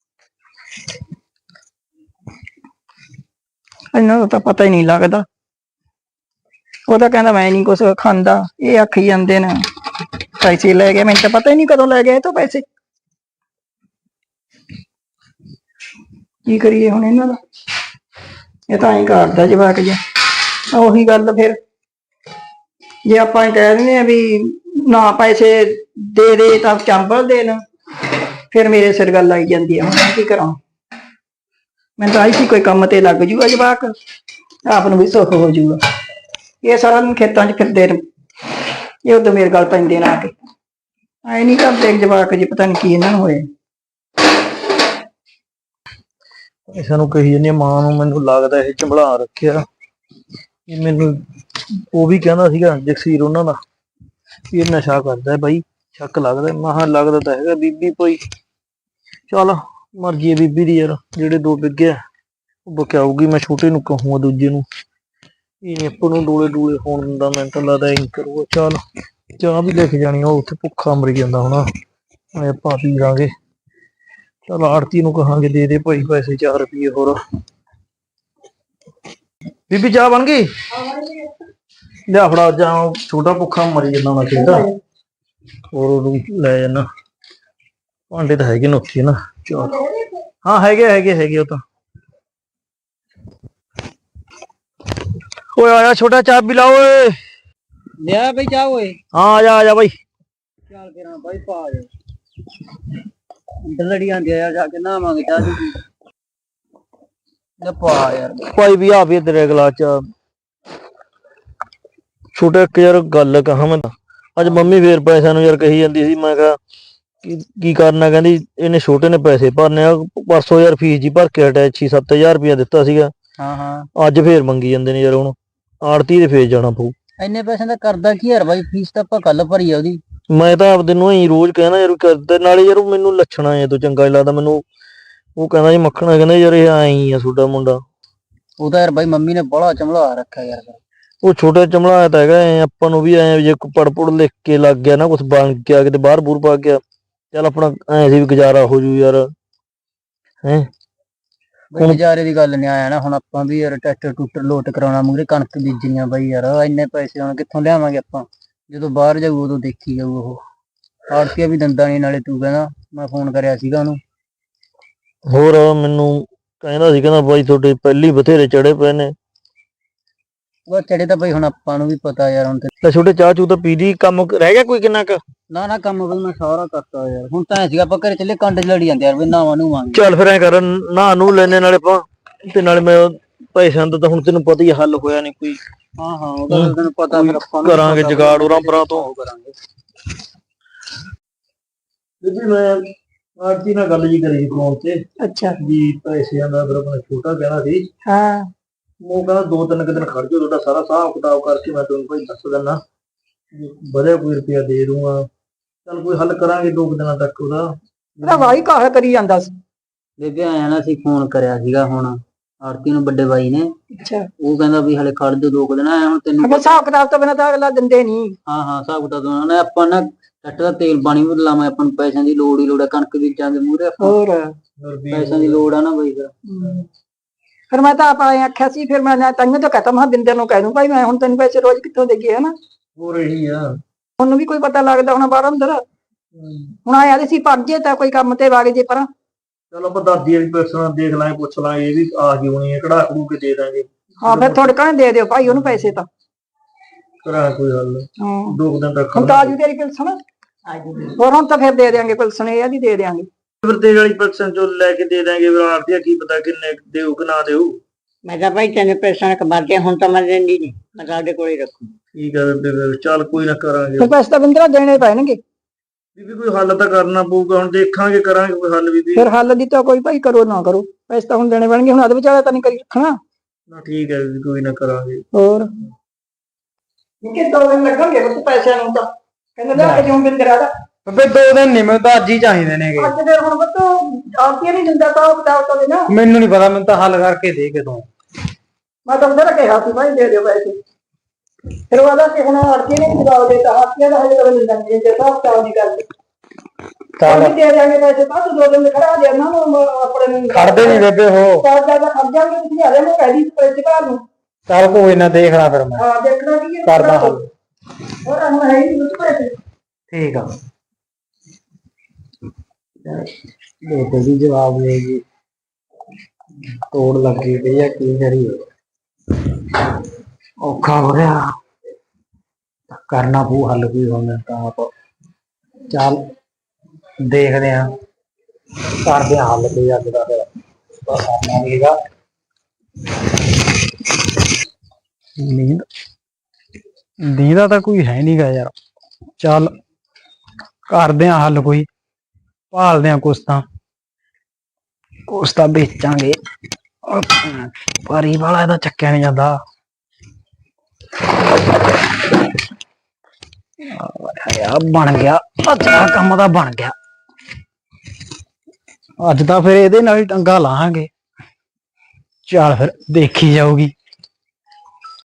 ਇਹਨਾਂ ਦਾ ਤਾਂ ਪਤਾ ਹੀ ਨਹੀਂ ਲੱਗਦਾ। ਉਹ ਤਾਂ ਕਹਿੰਦਾ ਮੈਂ ਨਹੀਂ ਕੁਛ ਖਾਂਦਾ, ਇਹ ਆਖੀ ਜਾਂਦੇ ਨੇ ਪੈਸੇ ਲੈ ਗਏ। ਮੈਨੂੰ ਤਾਂ ਪਤਾ ਹੀ ਨਹੀਂ ਕਦੋਂ ਲੈ ਗਏ ਇਹ ਤੋਂ ਪੈਸੇ। ਕੀ ਕਰੀਏ ਹੁਣ ਇਹਨਾਂ ਦਾ? ਇਹ ਤਾਂ ਐਂ ਕਰਦਾ ਜਵਾਕ ਜਿਹਾ। ਉਹੀ ਗੱਲ ਫਿਰ ਜੇ ਆਪਾਂ ਕਹਿ ਦਿੰਦੇ ਆ ਵੀ ਨਾ ਪੈਸੇ ਦੇ ਦੇ ਤਾਂ ਚੰਬਲ ਦੇਣ, ਫਿਰ ਮੇਰੇ ਸਿਰ ਗੱਲ ਆਈ ਜਾਂਦੀ ਆ। ਹੁਣ ਮੈਂ ਕੀ ਕਰਾਂ? ਮੈਂ ਤਾਂ ਆਈ ਸੀ ਕੋਈ ਕੰਮ ਤੇ ਲੱਗ ਜੂਗਾ ਜਵਾਕ, ਆਪ ਨੂੰ ਵੀ ਸੁੱਖ ਹੋ ਜੂਗਾ। ਇਹ ਸਾਰਾ ਦਿਨ ਖੇਤਾਂ 'ਚ ਫਿਰਦੇ ਨੇ, ਇਹ ਉਦੋਂ ਮੇਰੇ ਗੱਲ ਪੈਂਦੇ ਨੇ ਆ ਕੇ। ਆਏ ਨਹੀਂ ਕਰਦੇ ਜਵਾਕ ਜੀ, ਪਤਾ ਨਹੀਂ ਕੀ ਇਹਨਾਂ ਨੂੰ ਹੋਇਆ।
ਇਸ ਨੂੰ ਕਹੀ ਜਾਂਦੀ ਮਾਂ ਨੂੰ। ਮੈਨੂੰ ਲੱਗਦਾ ਇਹ ਚੰਬਲਾ ਰੱਖਿਆ। ਮੈਨੂੰ ਉਹ ਵੀ ਕਹਿੰਦਾ ਸੀਗਾ ਜਗਸੀਰ ਉਹਨਾਂ ਦਾ ਵੀ ਇਹ ਨਸ਼ਾ ਕਰਦਾ ਬਾਈ, ਸ਼ੱਕ ਲੱਗਦਾ। ਮਹਾ ਲੱਗਦਾ ਤਾਂ ਹੈਗਾ ਬੀਬੀ ਕੋਈ। ਚੱਲ ਮਰਜ਼ੀ ਹੈ ਬੀਬੀ ਦੀ ਯਾਰ, ਜਿਹੜੇ ਦੋ ਬਿੱਗੇ ਆ ਉਹ ਬਕਿਆਊਗੀ। ਮੈਂ ਛੋਟੇ ਨੂੰ ਕਹੂੰਗਾ ਦੂਜੇ ਨੂੰ, ਇਹ ਨੀ ਆਪਾਂ ਨੂੰ ਡੋਲੇ ਡੋਲੇ ਹੋਣ ਦਿੰਦਾ। ਮੈਨੂੰ ਤਾਂ ਲੱਗਦਾ ਐਂ ਕਰੂਗਾ। ਚੱਲ ਚਾਹ ਵੀ ਲੈ ਕੇ ਜਾਣੀ, ਉਹ ਉੱਥੇ ਭੁੱਖਾ ਮਰੀ ਜਾਂਦਾ ਹੋਣਾ, ਆਪਾਂ ਪੀ ਲਾਂਗੇ। ਚੱਲ ਆੜਤੀ ਨੂੰ ਕਹਾਂਗੇ ਦੇ ਦੇ ਭਾਈ ਪੈਸੇ ਚਾਰ ਰੁਪਏ ਹੋਰ। ਬੀਬੀ ਚਾਹ ਬਣ ਗਈ? ਲਿਆ ਫੜਾ ਜਾ, ਛੋਟਾ ਭੁੱਖਾ ਮਰੀ ਜਾਂਦਾ ਹੋਣਾ ਖੇਤ। ਹੋਰ ਉਹਨੂੰ ਲੈ ਜਾਣਾ, ਭਾਂਡੇ ਤਾਂ ਹੈਗੇ ਨੇ ਉੱਥੇ ਨਾ। ਚਲ ਹਾਂ ਹੈਗੇ ਹੈਗੇ ਹੈਗੇ ਉਹ ਤਾਂ। ਓਏ ਆਇਆ ਛੋਟਾ ਚਾਹ ਪੀ ਲਾ ਓਏ।
ਲਿਆ ਬਈ ਚਾਹ ਓਏ।
ਹਾਂ ਆ ਜਾ ਆ ਜਾ ਬਾਈ।
ਚੱਲ ਕਿਰਾਂ ਬਾਈ ਪਾ ਜਾ ਅੰਦਰ ਲੜੀ ਆਂਦੀ ਆ ਜਾ ਕੇ ਨਾ ਮੰਗ ਚਾਹ ਦੀ ਲੈ ਪਾ ਯਾਰ।
ਭਾਈ ਵੀ ਆ ਵੀ ਤੇਰੇ ਗਲਾਸ ਚ। ਛੋਟਾ ਇੱਕ ਯਾਰ ਗੱਲ ਕਹਾਂ ਮੈਂ, ਅੱਜ ਮੰਮੀ ਫੇਰ ਪੈਸਿਆਂ ਨੂੰ ਯਾਰ ਕਹੀ ਜਾਂਦੀ ਸੀ। ਮੈਂ ਕਿਹਾ ਕੀ ਕੀ ਕਰਨਾ, ਕਹਿੰਦੀ ਇਹਨੇ ਛੋਟੇ ਨੇ ਪੈਸੇ ਭਰਨੇ ਆ। ਪਰਸੋਂ ਯਾਰ ਫੀਸ ਜੀ ਭਰ ਕੇ ਹਟਿਆ, ਛੇ ਸੱਤ ਹਜ਼ਾਰ ਰੁਪਇਆ ਦਿੱਤਾ ਸੀਗਾ।
ਹਾਂ ਹਾਂ
ਅੱਜ ਫੇਰ ਮੰਗੀ ਜਾਂਦੇ ਨੇ ਯਾਰ। ਹੁਣ ਆੜਤੀ ਦੇ ਫੇਰ ਜਾਣਾ ਪਊ।
ਇੰਨੇ ਪੈਸੇ ਦਾ ਕਰਦਾ ਕੀ ਯਾਰ ਬਾਈ, ਫੀਸ ਤਾਂ ਆਪਾਂ ਕੱਲ ਭਰੀ ਆ ਉਹਦੀ।
ਮੈਂ ਤਾਂ ਆਪਦੇ ਨੂੰ ਹੀ ਰੋਜ਼ ਕਹਿਣਾ ਯਾਰ ਕਰਦੇ, ਨਾਲੇ ਯਾਰ ਮੈਨੂੰ ਲੱਛਣਾ ਐ ਤੋਂ ਚੰਗਾ ਨੀ ਲੱਗਦਾ ਮੈਨੂੰ। ਉਹ ਕਹਿੰਦਾ ਜੀ ਮੱਖਣਾ, ਕਹਿੰਦਾ ਯਾਰ ਇਹ ਐਂ ਆ ਤੁਹਾਡਾ ਮੁੰਡਾ।
ਉਹ ਤਾਂ ਯਾਰ ਬਾਈ ਮੰਮੀ ਨੇ ਬੜਾ ਚਮਲਾ ਰੱਖਿਆ ਯਾਰ।
ਉਹ ਛੋਟਾ ਚਮਲਾਇਆ ਤਾਂ ਹੈਗਾ ਐ, ਆਪਾਂ ਨੂੰ ਵੀ ਐ ਜੇ ਪੜ ਪੁੜ ਲਿਖ ਕੇ ਲੱਗ ਗਿਆ ਨਾ, ਕੁਛ ਬਣ ਗਿਆ, ਕਿਤੇ ਬਾਹਰ ਬੂਰ ਪਾ ਗਿਆ, ਚੱਲ ਆਪਣਾ ਐ ਸੀ ਵੀ ਗੁਜ਼ਾਰਾ ਹੋ ਜੂ ਯਾਰ। ਹੈਂ
ਬਈ ਗੁਜ਼ਾਰੇ ਦੀ ਗੱਲ ਨੀ ਆਇਆ ਨਾ, ਹੁਣ ਆਪਾਂ ਵੀ ਯਾਰ ਟਰੈਕਟਰ ਟੂਟਰ ਲੋਟ ਕਰਾਉਣਾ, ਮੂਹਰੇ ਕਣਕ ਬੀਜਣੀਆਂ ਬਾਈ ਯਾਰ। ਇੰਨੇ ਪੈਸੇ ਹੁਣ ਕਿੱਥੋਂ ਲਿਆਵਾਂਗੇ ਆਪਾਂ, ਜਦੋਂ ਬਾਹਰ ਜਾਊ ਉਦੋਂ ਦੇਖੀ ਜਾਊ। ਉਹ ਆੜਤੀਆ ਵੀ ਦੰਦਾ ਨੀ, ਨਾਲੇ ਤੂੰ ਕਹਿੰਦਾ ਮੈਂ ਫੋਨ ਕਰਿਆ ਸੀਗਾ ਉਹਨੂੰ।
ਹੋਰ ਮੈਨੂੰ ਕਹਿੰਦਾ ਸੀ, ਕਹਿੰਦਾ ਬਾਈ ਤੁਹਾਡੇ ਪਹਿਲੀ ਬਥੇਰੇ ਚੜੇ ਪਏ ਨੇ।
ਉਹ ਚੜੇ ਤਾਂ ਬਈ ਹੁਣ ਆਪਾਂ ਨੂੰ ਵੀ ਪਤਾ ਯਾਰ। ਹੁਣ
ਲੈ ਛੋਟੇ ਚਾਹ ਚੂ ਤਾਂ ਪੀ ਲਈ, ਕੰਮ ਰਹਿ ਗਿਆ ਕੋਈ ਕਿੰਨਾ ਕੁ?
ਨਾ ਨਾ ਕੰਮ ਬਈ ਮੈਂ ਸਾਰਾ ਕਰਤਾ ਯਾਰ। ਹੁਣ ਤਾਂ ਐ ਸੀਗਾ ਆਪਾਂ ਘਰੇ ਚੱਲੇ ਕੰਡ ਚ ਲੜੀ ਜਾਂਦੇ ਯਾਰ, ਵੀ ਨਾਵਾਂ ਨੂੰ ਮੰਗ।
ਚੱਲ ਫਿਰ ਐ ਕਰ, ਨਾ ਨੂੰ ਲੈਨੇ ਨਾਲੇ ਆਪਾਂ, ਤੇ ਨਾਲੇ ਮੈਂ ਪੈਸਿਆਂ ਦਾ ਤਾਂ ਹੁਣ ਤੈਨੂੰ ਪਤਾ ਹੀ ਹੱਲ ਹੋਇਆ ਨੀ ਕੋਈ।
ਹਾਂ ਹਾਂ ਉਹਦਾ ਤਾਂ ਤੈਨੂੰ ਪਤਾ, ਫਿਰ ਆਪਾਂ ਨੂੰ
ਕਰਾਂਗੇ ਜੁਗਾੜ ਉਰਾਂ ਪਰਾਂ ਤੋਂ
ਕਰਾਂਗੇ।
ਬੀਬੀ ਮੈਂ ਆਰਤੀ ਨਾਲ ਗੱਲ ਜੀ ਕਰੀ ਫੋਨ ਤੇ
ਅੱਛਾ
ਵੀ ਪੈਸਿਆਂ ਦਾ, ਫਿਰ ਆਪਣਾ ਛੋਟਾ ਕਹਿਣਾ ਸੀ।
ਹਾਂ
ਉਹ ਕਹਿੰਦਾ ਦੋ ਤਿੰਨ ਕੁ ਦਿਨ ਖੜ ਜਾਓ, ਤੁਹਾਡਾ ਸਾਰਾ ਹਿਸਾਬ ਕਿਤਾਬ ਕਰਕੇ ਮੈਂ ਤੁਹਾਨੂੰ ਭਾਈ ਦੱਸ ਦਿੰਦਾ, ਵਧਿਆ ਕੋਈ ਰੁਪਇਆ ਦੇ ਦੂੰਗਾ। ਚੱਲ ਕੋਈ ਹੱਲ ਕਰਾਂਗੇ ਦੋ ਕੁ ਦਿਨਾਂ ਤੱਕ ਉਹਦਾ।
ਉਹਦਾ ਵਾਹੀ ਕਾਹ ਕਰੀ ਜਾਂਦਾ ਸੀ।
ਬੇਬੇ ਆਇਆ ਨਾ, ਅਸੀਂ ਫੋਨ ਕਰਿਆ ਸੀਗਾ ਹੁਣ ਆਰਤੀ ਨੂੰ, ਵੱਡੇ ਬਾਈ ਨੇ।
ਅੱਛਾ
ਉਹ ਕਹਿੰਦਾ ਵੀ ਹਲੇ ਖੜ ਜਾ ਦੋ ਕੁ ਦਿਨ। ਆਇਆ ਹੁਣ ਤੈਨੂੰ
ਅਗਰ ਹਿਸਾਬ ਕਿਤਾਬ ਤੋਂ ਬਿਨਾਂ ਤਾਂ ਅਗਲਾ ਦਿੰਦੇ ਨਹੀਂ।
ਹਾਂ ਹਾਂ ਹਿਸਾਬ ਕਿਤਾਬ ਉਹਨਾਂ ਨੇ, ਆਪਾਂ ਨਾ ਟੱਟ ਦਾ ਤੇਲ ਪਾਣੀ ਵੀ ਲਾਵਾਂ, ਆਪਾਂ ਨੂੰ ਪੈਸਿਆਂ ਦੀ ਲੋੜ ਹੀ ਲੋੜ ਆ। ਕਣਕ ਬੀਜਾਂਗੇ ਮੂਹਰੇ,
ਹੋਰ
ਪੈਸਿਆਂ ਦੀ ਲੋੜ ਆ ਨਾ ਬਈ। ਫਿਰ
ਫਿਰ ਮੈਂ ਤਾਂ ਆਪ ਆਏ ਆਖਿਆ ਸੀ, ਫਿਰ ਮੈਂ ਤੈਨੂੰ ਤਾਂ ਕਹਤਾ ਮੈਂ ਬਿੰਦਰ ਨੂੰ ਕਹਿ ਦੂੰ ਭਾਈ ਮੈਂ ਹੁਣ ਤੈਨੂੰ ਪੈਸੇ ਰੋਜ਼ ਕਿੱਥੋਂ ਦੇਈਏ ਹਨਾ।
ਹੋਰ ਇਹੀ ਆ,
ਉਹਨੂੰ ਵੀ ਕੋਈ ਪਤਾ ਲੱਗਦਾ ਹੁਣ ਬਾਹਰ ਅੰਦਰ। ਹੁਣ ਆਇਆ ਤੇ ਸੀ ਪੜ੍ਹਜੇ ਤਾਂ ਕੋਈ ਕੰਮ ਤੇ ਵਗ ਜੇ ਪਰ।
ਚਲੋ ਆਪਾਂ ਦਾਦੀ ਵਾਲੀ ਪਰਸਨ ਦੇਖ ਲਾਂਗੇ, ਪੁੱਛ ਲਾਂਗੇ, ਇਹ ਵੀ ਆ ਗਈ ਹੋਣੀ ਹੈ, ਕਢਾ ਕਢੂ ਕੇ ਦੇ ਦਾਂਗੇ।
ਹਾਂ ਫਿਰ ਥੋੜੇ ਕਹਣੇ ਦੇ ਦਿਓ ਭਾਈ ਉਹਨੂੰ ਪੈਸੇ ਤਾਂ।
ਕਰਾਂ ਕੋਈ ਹੱਲ
ਹਾਂ
ਦੋ ਕੁ ਦਿਨ ਤੱਕ।
ਹੁਣ ਤਾਂ ਆਜੂ ਤੇਰੀ ਪਿਲਸਣ। ਹੋਰ ਹੁਣ ਤਾਂ ਫਿਰ ਦੇ ਦਿਆਂਗੇ ਪਿਲਸਣ, ਇਹ ਦੀ ਦੇ ਦਿਆਂਗੇ।
ਫਿਰ ਤੇਰੀ ਵਾਲੀ ਪਰਸਨ ਚੋਂ ਲੈ ਕੇ ਦੇ ਦਾਂਗੇ। ਫਿਰ ਆਰਤੀ ਕੀ ਪਤਾ ਕਿੰਨੇ ਦੇਊ ਕਿ ਨਾ ਦੇਊ।
ਮੈਂ ਤਾਂ ਭਾਈ ਤੈਨੂੰ ਪੈਸਾ ਕਮਾਤੇ ਹੁਣ ਤਾਂ ਮੈਂ ਦਿੰਦੀ ਨਹੀਂ, ਮੈਂ ਤੁਹਾਡੇ ਕੋਲ ਹੀ ਰੱਖੂ।
ਠੀਕ ਹੈ ਬੇਬੇ, ਚੱਲ ਕੋਈ ਨਾ ਕਰਾਂਗੇ।
ਫਿਰ ਪੈਸੇ ਤਾਂ ਬਿੰਦਰਾ ਦੇਣੇ ਪੈਣਗੇ।
ਬੀਬੀ ਕੋਈ ਹੱਲ ਤਾਂ ਕਰਨਾ ਪਊਗਾ, ਹੁਣ ਦੇਖਾਂਗੇ ਕਰਾਂਗੇ ਕੋਈ ਹੱਲ ਬੀਬੀ।
ਫਿਰ ਹੱਲ ਦੀ ਤਾਂ ਕੋਈ ਭਾਈ ਕਰੋ ਨਾ ਕਰੋ, ਪੈਸੇ ਤਾਂ ਹੁਣ ਦੇਣੇ ਪੈਣਗੇ। ਹੁਣ ਅੱਧ ਵਿਚਾਲੇ ਤਾਂ ਨਹੀਂ ਕਰੀ ਰੱਖਣਾ।
ਨਾ ਠੀਕ ਹੈ ਬੀਬੀ, ਕੋਈ ਨਾ ਕਰਾਂਗੇ।
ਹੋਰ ਕਿ ਦੋ ਦਿਨ ਲੱਗਣਗੇ ਉਸ ਪੈਸਿਆਂ ਨੂੰ ਤਾਂ ਕਹਿੰਦੇ ਲੈ ਕੇ ਜਾਉਂ ਬਿੰਦਰਾ ਦਾ।
ਬੇਬੇ ਦੋ ਦਿਨ ਨਹੀਂ, ਮੈਨੂੰ ਤਾਂ ਅੱਜ ਹੀ ਚਾਹੀਦੇ ਨੇਗੇ।
ਅੱਜ ਫਿਰ ਹੁਣ ਬੱਤੋ ਆਰਤੀ ਨਹੀਂ ਦਿੰਦਾ ਤਾਂ ਉਹ ਬਤਾਓ ਤਾਂ ਨਾ।
ਮੈਨੂੰ ਨਹੀਂ ਪਤਾ, ਮੈਨੂੰ ਤਾਂ ਹੱਲ ਕਰਕੇ ਦੇ ਕੇ ਤੂੰ।
ਮੈਂ ਤਾਂ ਉਹਦਾ ਕਿਹਾ ਸੀ ਭਾਈ ਦੇ ਦਿਓ ਪੈਸੇ। ਫਿਰ ਉਹ ਆਦਾ ਕਿ ਹੁਣ ਆਰਤੀ ਨੇ ਜਵਾਬ ਦੇਤਾ, ਆਰਤੀ ਦਾ ਹਜੇ ਕਦੇ ਨਹੀਂ ਦਿੰਦੇ ਜੇ ਤਾਂ ਬਤਾਓ ਨਹੀਂ ਕਰਦੇ। ਚੱਲ ਦੇ ਦਿਆਂਗੇ ਪੈਸੇ ਤਾਂ ਤੂੰ ਦੋ ਦਿਨ ਖੜਾ ਦੇ ਨਾ ਆਪਣੇ ਨੂੰ।
ਖੜਦੇ ਨਹੀਂ ਬੇਬੇ ਉਹ।
ਚਾਰ ਚਾਰ ਦਾ ਖੜ ਜਾਣਗੇ ਤੁਸੀਂ ਹਲੇ ਮੈਂ ਕਹਿ ਦੀ ਪੈਸੇ ਘਰ ਨੂੰ।
ਚੱਲ ਕੋਈ ਨਾ ਦੇਖਣਾ ਫਿਰ ਮੈਂ
ਹਾਂ ਦੇਖਣਾ ਕੀ ਹੈ
ਕਰਦਾ ਹੱਲ।
ਹੋਰ ਹੁਣ ਹੈ ਹੀ ਨਹੀਂ ਪੈਸੇ।
ਠੀਕ ਆ ਬੇਬੇ ਵੀ ਜਵਾਬ ਦੇਗੀ, ਤੋੜ ਲੱਗੀ ਪਈ ਆ, ਕੀ ਕਰੀਏ। ਔਖਾ ਹੋ ਰਿਹਾ, ਕਰਨਾ ਪਊ ਹੱਲ ਕੋਈ ਹੁਣ ਤਾਂ ਆਪ। ਚੱਲ ਦੇਖਦੇ ਆ, ਕਰਦੇ ਆ ਹੱਲ ਕੋਈ ਅੱਜ ਦਾ। ਫਿਰ ਕਰਨਾ ਵੀ ਹੈਗਾ। ਨੀਂਦ ਨੀਂਦ ਦਾ ਤਾਂ ਕੋਈ ਹੈ ਨੀ ਗਾ ਯਾਰ। ਚੱਲ ਕਰਦੇ ਆ ਹੱਲ ਕੋਈ, ਭਾਲਦੇ ਆ ਕੁਛ ਤਾਂ ਕੁਛ ਤਾਂ ਵੇਚਾਂਗੇ। ਪਰੀ ਵਾਲਾ ਇਹਦਾ ਚੱਕਿਆ ਨੀ ਜਾਂਦਾ। ਯਾਰ ਬਣ ਗਿਆ ਅੱਜ ਦਾ ਕੰਮ, ਤਾਂ ਬਣ ਗਿਆ ਅੱਜ ਤਾਂ। ਫਿਰ ਇਹਦੇ ਨਾਲ ਹੀ ਟੰਗਾ ਲਾਹਾਂਗੇ। ਚੱਲ ਫਿਰ ਦੇਖੀ ਜਾਊਗੀ।